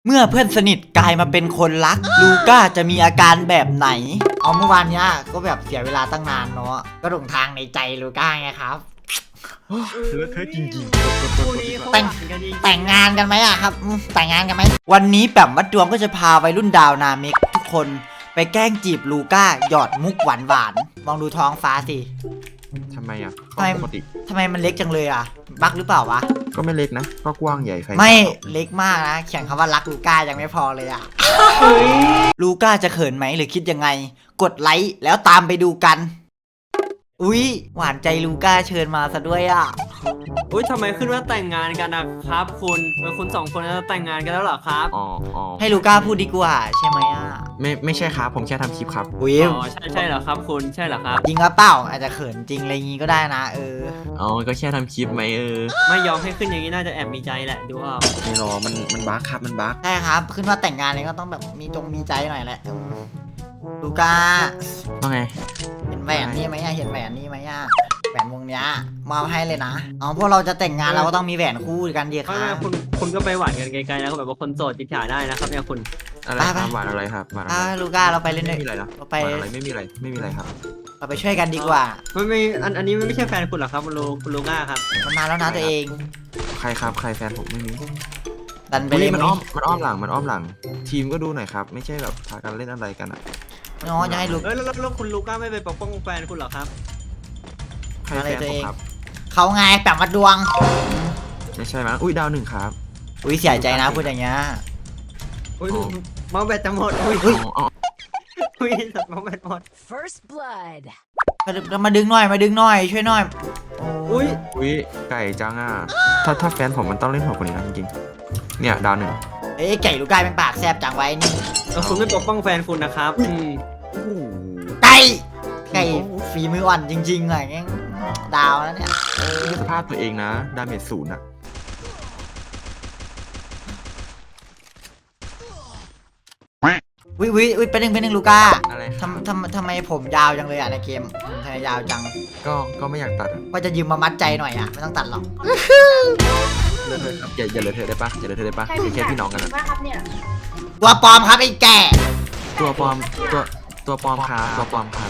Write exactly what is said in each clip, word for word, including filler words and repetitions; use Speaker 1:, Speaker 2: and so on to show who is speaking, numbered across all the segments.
Speaker 1: เมื่อเพื่อนสนิทกลายมาเป็นคนรักลูก้าจะมีอาการแบบไหนเอาเมื่อวานเนี้ยก็แบบเสียเวลาตั้งนานเนาะก็หลงทางในใจลูก้าไงครับ
Speaker 2: เลอะเทอะจริง
Speaker 3: คู่นี้เขา
Speaker 1: แต่ง
Speaker 3: หวานกันจริงๆ
Speaker 1: แต่งงานกันไหมอะครับอืมแต่งงานกันไหมวันนี้แปมวัดดวงก็จะพาวัยรุ่นดาวนาเมกทุกคนไปแกล้งจีบลูก้าหยอดมุกหวานหวานๆมองดูท้องฟ้าสิ
Speaker 2: ๆทำไมอ่ะ
Speaker 1: ทำไม
Speaker 2: ปกติ
Speaker 1: ทำไมมันเล็กจังเลยอะบักหรือเปล่าวะ
Speaker 2: ก็ไม่เล็กนะ ก็กว้างใหญ่ใคร
Speaker 1: ไม่เล็กมากนะเขียนคำว่ารักลูก้ายังไม่พอเลยอะลูก้าจะเขินไหมหรือคิดยังไง กดไลค์แล้วตามไปดูกัน อุ๊ยหวานใจลูก้าเชิญมาซะด้วยอะ
Speaker 3: อุ้ยทำไมขึ้นว่าแต่งงานกันนะครับคุณเป็นคุณสองคนจะแต่งงานกันแล้วเหรอครับ
Speaker 2: อ๋ออ๋อ
Speaker 1: ให้ลูก้าพูดดีกว่าใช่ไหมอะ
Speaker 2: ไม่ไม่ใช่ครับ ผมแค่ทำคลิปครับ
Speaker 1: อุ๊ย
Speaker 3: อ๋อใช่ใช่เหรอครับคุณใช่เหรอครับ
Speaker 1: จริงหรือเปล่าอาจจะเขินจริงอะไรงี้ก็ได้นะเออ
Speaker 2: อ๋อ ก็แค่ทำคลิปไหมเออ
Speaker 3: ไม่ยอมให้ขึ้นอย่างนี้น่าจะแอบมีใจแหละดูเอา
Speaker 2: ไม่รอมันมันบั๊กครับ มันบั๊ก
Speaker 1: ใช่ครับขึ้นว่าแต่งงานเลยก็ต้องแบบมีตรงมีใจหน่อยแหละอืมลูก้า
Speaker 2: ว่าไง
Speaker 1: เห็นแหวนนี่ไหมอะเห็นแหวนนี่ไหมอะแหวนวงเนี้ยมอบให้เลยนะอ๋อพวกเราจะแต่งงานเราก็ต้องมีแหวนคู่กันดีค
Speaker 3: ไม่
Speaker 1: รั
Speaker 3: ไม่
Speaker 1: บ
Speaker 3: คุณคุณก็ไปหวานกันไกลๆแล้วก็แบบว่าคนโสดจิตฉาได้นะครับเนี่ยคุณ
Speaker 2: อะไร
Speaker 1: ไป
Speaker 2: ค
Speaker 1: ไป
Speaker 2: รับหวานอะไรครับหวานอะไร
Speaker 1: อ่าลูก้าเราไปเล่น
Speaker 2: ไม่
Speaker 1: ด้วย
Speaker 2: มีอะไรนะ
Speaker 1: เรา
Speaker 2: ห
Speaker 1: ไป
Speaker 2: วานอะไรไม่มีอะไรไม่มีอะไรครับ
Speaker 1: เราไปช่วยกันดีกว่า
Speaker 3: ไม่ไม่อันอันนี้ไม่ใช่แฟนคุณเหรอครับคุณลูคุณลูก้าครับ
Speaker 1: มันมาแล้วนะตัวเอง
Speaker 2: ใครครับ ใครแฟนผมไม่มี
Speaker 1: ดันไป
Speaker 2: อุ๊ย
Speaker 1: เล่น
Speaker 2: มันอ้อมมันอ้อมหลังมันอ้อมหลัง ทีมก็ดูหน่อยครับ ไม่ใช่แบบพากันเล่นอะไรกันอ่ะ
Speaker 1: น้องจะให้ลูก
Speaker 3: เอ้ยแล้วแล้วแล้วคุณลูก้าไม่ไปปกป้องแฟนคุณเหรอครับ
Speaker 2: ใคร
Speaker 1: อะไร
Speaker 2: แฟน
Speaker 1: ตัว
Speaker 2: ผ
Speaker 1: เอ
Speaker 2: ม
Speaker 1: ง
Speaker 2: ครับ
Speaker 1: เขาไงแปมวัดดวง
Speaker 2: ไม่ใช่มั้ยอุ้ยดาวหนึ่งครับ
Speaker 1: อุ้ยเสียใจนะพูดอย่างเงี้ย
Speaker 3: อุ้ย
Speaker 2: อ๋อ
Speaker 3: เมาส์แบตจะหมดอุ้ย
Speaker 1: อุ๊ย
Speaker 2: อ๋ออ๋อ
Speaker 3: อุ้ยเมาส์แบตหมด
Speaker 4: First blood.
Speaker 1: มาดึงมาดึงหน่อยมาดึงหน่อยช่วยหน่อย
Speaker 3: อุ้ย
Speaker 2: อุ้ยไก่จังอ่ะ ถ้าถ้าแฟนผมมันต้องเล่นหัวกว่านี้นะจริงๆเนี่ยดาวหนึ่ง
Speaker 1: เอ้ยไก่ลูก้าเป็นปากแซบจังไว้นี่
Speaker 3: แล้วคุณไม่ปกป้องแฟนคุณนะครับอืม
Speaker 2: โอ้โห
Speaker 1: ไก่ไก่ฝีมืออ่อนจริงๆอะไรเงี้ยดาวแล้วเนี่ย
Speaker 2: สภาพตัวเองนะ ดาเมจศูนย์อ่ะ
Speaker 1: วิวิวิเป็นหนึ่งเป็นหนึ่งลูก้า
Speaker 2: อะไรครับ
Speaker 1: ทำทำทำไมผมยาวจังเลยอ่ะในเกมผมทำไมยาวจัง
Speaker 2: ก็ก็ไม่อยากตัดอะ
Speaker 1: ว่าจะยืมมามัดใจหน่อยอ่ะไม่ต้องตัดหรอก
Speaker 2: เลอะเทอะครับอย่าอย่าเลอะเทอะได้ปะอย่าเลอะเทอะได้ปะเป็นแค่พี่น้องกันอะ
Speaker 5: ว่าครับเนี่ย
Speaker 1: ตัวปลอมครับไอ้แก่
Speaker 2: ตัวปลอมตัวตัวปลอมครับตัวปลอมครับ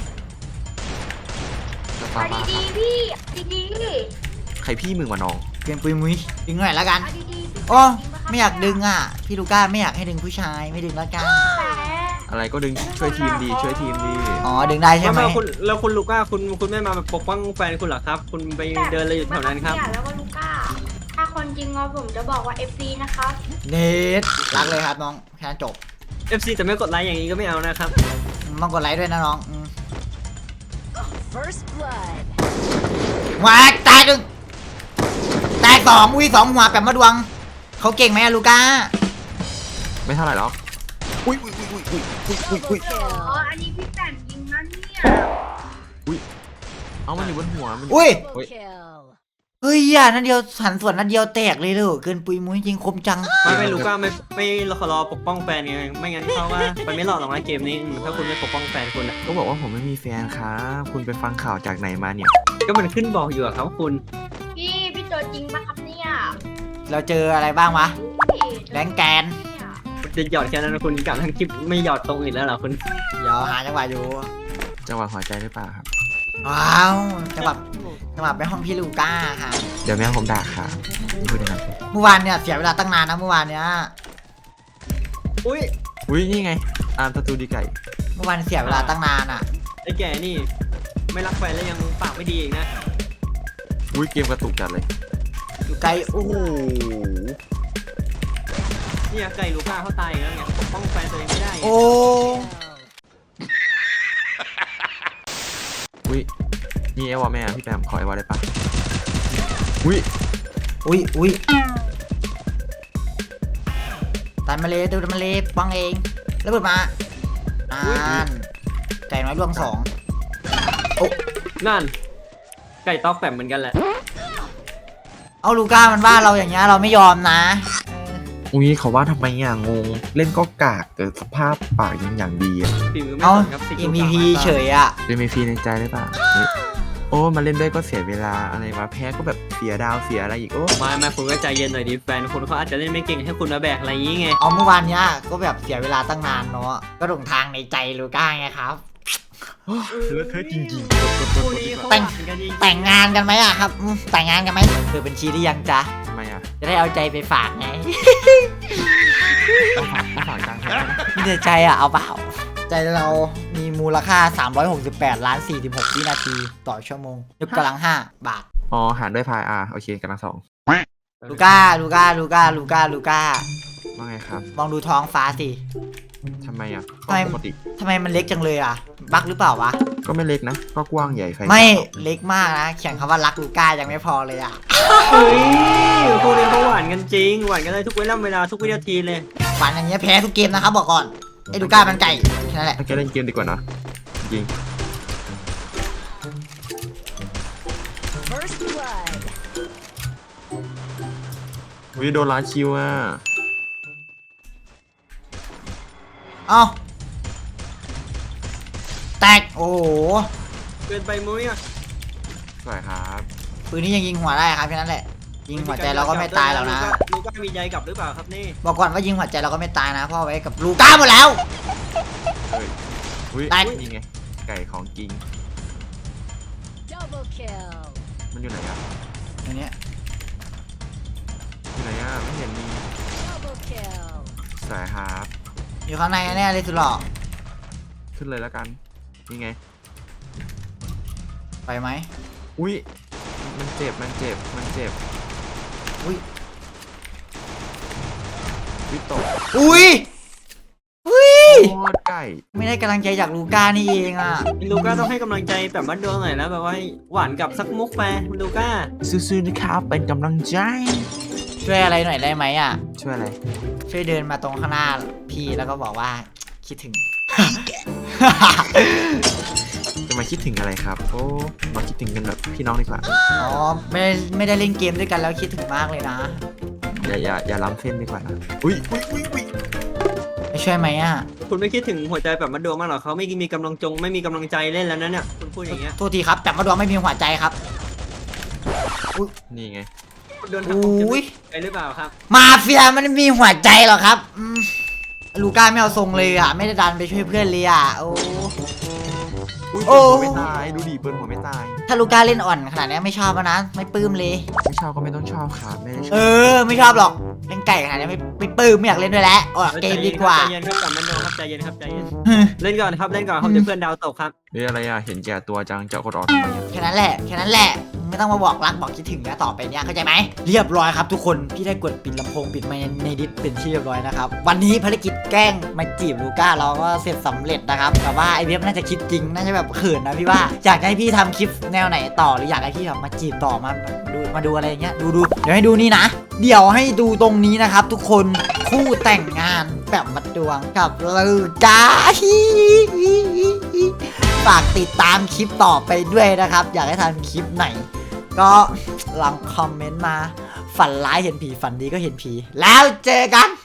Speaker 2: ตัวปลอ
Speaker 5: เอา
Speaker 2: มครับ
Speaker 5: ดีๆพี่ดี
Speaker 2: ใครพี่มึงวะน้อง
Speaker 1: เกมปุยมุ้ยดึงหน่อยแล้วกัน
Speaker 5: ๆเอาดีๆ
Speaker 1: โอ้ไม่อยากดึงอ่ะพี่ลูก้าไม่อยากให้ดึงผู้ชายไม่ดึงแล้วกัน
Speaker 5: แต่
Speaker 2: อะไรก็ดึงช่วยทีมดีช่วยทีมดี
Speaker 1: อ๋อดึงได้ใช่ไหม
Speaker 3: แล้วคุณแล้วคุณลูก้าคุณคุณไม่มาแบบปกป้องแฟนคุณเหรอครับ คุณไปเดินอะไรอยู่แถวนั้นครับ
Speaker 5: เนี่ยแล้วก็ลูก้า ถ้าคนจริงเราผมจะบอกว่า เอฟ ซี นะครับ
Speaker 1: เนทรักเลยครับน้องแค่นั้นจบ
Speaker 3: เอฟ ซี แต่ไม่กดไลค์อย่างนี้ก็ไม่เอานะครับ
Speaker 1: ต้องกดไลค์ด้วยนะน้องอืม
Speaker 4: First blood.
Speaker 1: มาตายหนึ่งตายสองอุ้ยสองหัวแบบมาดวงเขาเก่งไหมอะลูก้า
Speaker 2: ไม่เท่าไหร่หรอกอุ้ยอุ้ยอุ้ยอุ้ยอุ้ยอุ้ยอุ้ย
Speaker 5: อ๋อ อันนี้พี่แต่งจริงนะเนี่ย
Speaker 2: เอามันอยู่บนหัวมัน
Speaker 1: อุ้ย
Speaker 4: Double kill.
Speaker 1: เฮ้ยอ่ะนัดเดียวหันส่วนนัดเดียวแตกเลยเลยเกินปุยมุ้ยจริงคมจัง
Speaker 3: ไม่ไม่ลูก้าไม่ไม่รอรอปกป้องแฟนไงไม่งั้นเขาว่ามันไม่หลอดหรอกนะเกมนี้อืมถ้าคุณไม่ปกป้องแฟนคุณอะ
Speaker 2: ก็บอกว่าผมไม่มีแฟนครับคุณไปฟังข่าวจากไหนมาเนี่ย
Speaker 3: ก็มันขึ้นบอกอยู่อะครับคุณ
Speaker 5: พี่ พี่ตัวจริงปะครับเนี่ย
Speaker 1: เราเจออะไรบ้างวะ
Speaker 5: พี่
Speaker 1: แรงแกน
Speaker 5: เนี่ย
Speaker 3: คุณจะหยอดแค่นั้นนะคุณกลับทั้งคลิปไม่หยอดตรงอื่นแล้วเหรอคุณ
Speaker 1: เดี๋ยวหาจังหวะอยู่
Speaker 2: จังหวะหัวใจหรือเปล่าครับ
Speaker 1: ว้าวจังหวะจังหวะไปห้องพี่ลูก้าค่ะ
Speaker 2: เดี๋ยวแม่ผมด่าครับพูดอย่างนั้น
Speaker 1: เมื่อวานเนี่ยเสียเวลาตั้งนานนะเมื่อวานเนี้ย
Speaker 3: อุ้ย
Speaker 2: อุ้ยนี่ไงอาร์มสตูดิไก่
Speaker 1: เมื่อวานเสียเวลาตั้งนานอ่ะ
Speaker 3: ไอ้แก่นี่ ไม่รักแฟนแล้วยังปากไม่ดีอีกนะ
Speaker 2: อุ้ยเกมกระตุกจัดเลย
Speaker 1: อยู่ไกลโอ้โห
Speaker 3: เนี่ยไก่ลูก้าเขาตายอีกแล้วไงปกป้องแฟนตัวเองไม่ได้ไง
Speaker 1: โอ้
Speaker 2: อุ้ยนี่ไอวอแม่พี่แปมขอไอวอได้ปะอุ้ย
Speaker 1: อุ้ยอุ้ยตันมาเลยตูนมาเลยปังเองแล้วเปิดมานานไก่น้อยดวงสอง
Speaker 3: นั่น ไก่ตอกแปมเหมือนกันแหละ
Speaker 1: เอาลูก้ามันว่าเราอย่างเงี้ยเราไม่ยอมนะเออ
Speaker 2: อุ้ยเขาว่าทำไมอ่ะงงเล่นก็กากแต่สภาพปากยังอย่างดีอ่ะ
Speaker 3: ฝีมือไม่
Speaker 1: เอา
Speaker 3: สนครับสกิล
Speaker 1: เอ็ม
Speaker 3: ปาก
Speaker 1: พี
Speaker 3: มาก
Speaker 1: เฉยอ่ะ
Speaker 2: เป็นเมฟีในใจได้ปะเฮ้ยโอ้มาเล่นด้วยก็เสียเวลาอะไรวะแพ้ก็แบบฟสียดาวเสียอะไรอีกโอ้
Speaker 3: ไมามาคุณก็ใจเย็นหน่อยดิแฟนคุณเขาอาจจะเล่นไม่เก่งให้คุณมาแบกอะไรอย่างงี้ไง
Speaker 1: เอาเมื่อวานเนี้ยก็แบบเสียเวลาตั้งนานเนาะก็หลงทางในใจลูก้าไงครับ
Speaker 2: เลอะเทอะจริง
Speaker 3: คู่นี้เขา
Speaker 1: แต่ง
Speaker 3: หวานกันจริงๆ
Speaker 1: แต่งงานกันไหมอะครับอืมแต่งงานกันไหมเปิดบัญชีหรือยังจ๊ะ
Speaker 2: ๆทำไมอ่ะ
Speaker 1: จะได้เอาใจไปฝากไง
Speaker 2: ต้องฝากต้องฝากจ้างแฟนนะ
Speaker 1: ไม่ได้ใจอะเอาเปล่าใจเรามีมูลค่าสามร้อยหกสิบแปดล้านสี่สิบหกวินาทีต่อชั่วโมงยกกำลังห้าบาท
Speaker 2: อ๋อหารด้วยพายอ่ะโอเคกำลังสอง
Speaker 1: ลูก้าลูก้าลูก้าลูก้าลูก้า
Speaker 2: ว่าไงครับ
Speaker 1: มองดูท้องฟ้าสิ
Speaker 2: ทำไมอ่ะ
Speaker 1: ทำไม
Speaker 2: ปกติ
Speaker 1: ทำไมมันเล็กจังเลยอะบักหรือเปล่าวะ
Speaker 2: ก็ไม่เล็กนะ ก็กว้างใหญ่ไฟ
Speaker 1: ไม่เล็กมากนะเขียนคำว่ารักลูก้ายังไม่พอเลยอะ
Speaker 3: เฮ้ยคู่นี้เขาหวานกันจริงหวานกันเลยทุกเวลาเวลาทุกวินาทีเลย
Speaker 1: ฝันอย่างเงี้ยแพ้ทุกเกมนะครับบอกก่อนไอ้ลูก้ามันไก่แค่นั้นแหละ
Speaker 2: ถ้าแกเล่นเกมดีกว่านะจริง
Speaker 4: First blood.
Speaker 2: วิโดนล้านคิวอ่ะ
Speaker 1: เอ้าแตกโอ้โห
Speaker 3: เกินไปมุ้ยอ่ะ
Speaker 2: สวยครับ
Speaker 1: ปืนนี้ยังยิงหัวได้ครับแค่นั้นแหละยิงหัวใจเราก็ไม่ตายแล้วนะ
Speaker 3: ลูก้ามีใจกลับหรือเปล่าครับนี่
Speaker 1: บอกก่อนว่ายิงหัวใจเราก็ไม่ตายนะเพราะเอาไว้กับลูก้าหมดแล้ว
Speaker 2: เฮ้ยอุ้ย
Speaker 1: ได้
Speaker 2: นี่ไง ไก่ของจริง
Speaker 4: Double kill.
Speaker 2: มันอยู่ไหนอ่ะ
Speaker 1: อันเนี้ย
Speaker 2: อยู่ไหนอ่ะ ไม่เห็นมี
Speaker 4: Double kill.
Speaker 2: สวยครับ
Speaker 1: อยู่ข้างในแน่เลยสุดหล่อ
Speaker 2: ขึ้นเลยแล้วกัน นี่ไง
Speaker 1: ไปไหม
Speaker 2: อุ้ย มันเจ็บ มันเจ็บ มันเจ็บ
Speaker 1: อุ้ย
Speaker 2: วิตก
Speaker 1: อุ้ยอุ้ย
Speaker 2: โคตรไก่
Speaker 1: ไม่ได้กำลังใจจากลูก้านี่เองอ่ะ
Speaker 3: ลูก้าต้องให้กำลังใจแบบบ้านดวงหน่อยแล้วแบบว่าหวานกับสักมุกไปลูก้า
Speaker 2: สู้ๆนะครับ เป็นกำลังใจ
Speaker 1: ช่วยอะไรหน่อยได้ไหมอ่ะ
Speaker 2: ช่วยอะไร
Speaker 1: ช่วยเดินมาตรงข้างหน้าพี่แล้วก็บอกว่าคิดถึง
Speaker 2: จะมาคิดถึงอะไรครับ โอ้ มาคิดถึงกันแบบพี่น้องดีกว่า
Speaker 1: อ๋อไม่ได้ไม่ได้เล่นเกมด้วยกันแล้วคิดถึงมากเลยนะ
Speaker 2: อย่าอย่าอย่าล้ำเส้นดีกว่านะ อุ้ยอุ้ยอุ้ยอุ้ย
Speaker 1: ไม่ช่วยไหมอ่ะ
Speaker 3: คุณไม่คิดถึงหัวใจแบบบ้านดวงมากหรอเขาไม่มีกำลังจงไม่มีกำลังใจเล่นแล้วนะเนี่ยคุณพูดอย่างเงี้ย
Speaker 1: โทษทีครับแต่มาดวงไม่มีหัวใจครับ
Speaker 2: นี่ไง
Speaker 3: คุณโดนทำผมจะ
Speaker 1: อุ้ย
Speaker 3: ไปหรือเปล่าครับ
Speaker 1: มาเฟียมันไม่มีหัวใจหรอกครับอืมลูก้าไม่เอาทรงเลยอ่ะไม่ได้ดันไปช่วยเพื่อนเลยอ่ะโอ้
Speaker 2: อุ้ย
Speaker 1: โอ้
Speaker 2: เปิดหัวไม่ตาย ดูดิเปิดหัวไม่ตาย
Speaker 1: ถ้าลูก้าเล่นอ่อนขนาดนี้ไม่ชอบแล้วนะไม่ปลื้มเลย
Speaker 2: ไม่ชอบก็ไม่ต้องชอบครับไม่ได้ช
Speaker 1: เอ
Speaker 2: อบ
Speaker 1: อ ไม่ชอบหรอกเล่นไก่ขนาดนี้ไม่ไม่ปลื้มไม่อยากเล่นด้วยแล้วออกเกมดีกว่า
Speaker 3: ใจเย็นครับกับบ้านดวงครับใจเย็นครับใจเย็นเล่นก่อนครับเล่นก่อนครับเดี๋ยวเพื่อนดาวตกครับ
Speaker 2: เฮ้ยอะไรอ่ะ เห็นแก่ตัวจังจะกดออกทำไมอ่ะ
Speaker 1: แค่นั้นแหละแค่นั้นแหละไม่ต้องมาบอกรักบอกคิดถึงนะต่อไปเนี้ยเข้าใจไหมเรียบร้อยครับทุกคนพี่ได้กดปิดลำโพงปิดไมค์ในดิสเป็นที่เรียบร้อยนะครับวันนี้ภารกิจแกล้งมาจีบลูก้าเราก็เสร็จสำเร็จนะครับแต่ว่าไอเว็บน่าจะคิดจริงน่าจะแบบเขินนะพี่ว่าอยากให้พี่ทำคลิปแนวไหนต่อหรืออยากให้พี่แบบมาจีบต่อมาดูมาดูอะไรอย่างเงี้ยดูดูเดี๋ยวให้ดูนี่นะ เดี๋ยวให้ดูตรงนี้นะครับ ทุกคนคู่แต่งงานแบบมัดดวงกับลูก้า ฝากติดตามคลิปต่อไปด้วยนะครับ อยากให้ทำคลิปไหน ก็ลองคอมเมนต์มา ฝันร้ายเห็นผีฝันดีก็เห็นผี แล้วเจอกัน